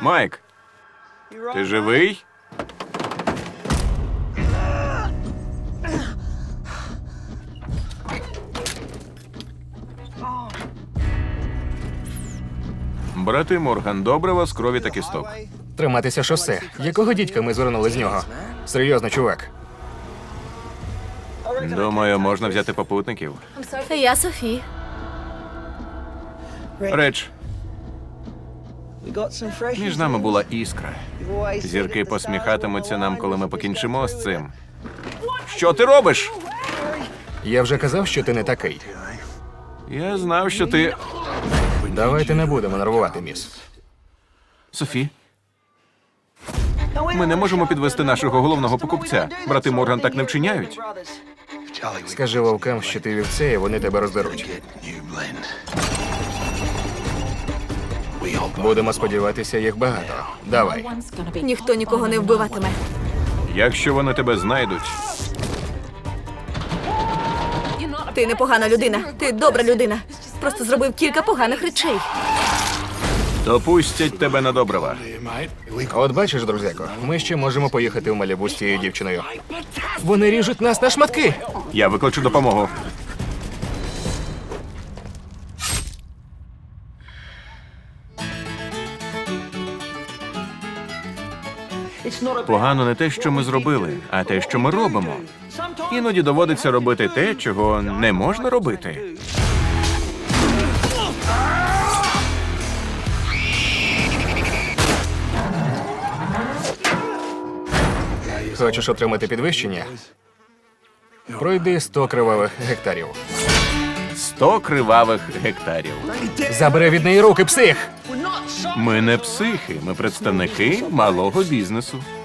Майк, ти живий? Брати Морган, добре вас крові та кісток. Триматися шосе. Якого дідька ми звернули з нього? Серйозно, чувак. Думаю, можна взяти попутників. Я Софі. Реч, між нами була іскра. Зірки посміхатимуться нам, коли ми покінчимо з цим. Що ти робиш? Я вже казав, що ти не такий. Я знав, що ти... Давайте не будемо нервувати, міс. Софі? Ми не можемо підвести нашого головного покупця. Брати Морган так не вчиняють. Скажи вовкам, що ти вівце, і вони тебе роздеруть. Будемо сподіватися, їх багато. Давай. Ніхто нікого не вбиватиме. Якщо вони тебе знайдуть, Ти непогана людина. Ти добра людина. Просто зробив кілька поганих речей. то пустять тебе на добрива. От бачиш, друзяко, ми ще можемо поїхати в Малібу з цією дівчиною. Вони ріжуть нас на шматки. Я викличу допомогу. Погано не те, що ми зробили, а те, що ми робимо. Іноді доводиться робити те, чого не можна робити. Хочеш отримати підвищення? Пройди 100 кривавих гектарів. 100 кривавих гектарів. Забери від неї руки, псих! Ми не психи, ми представники малого бізнесу.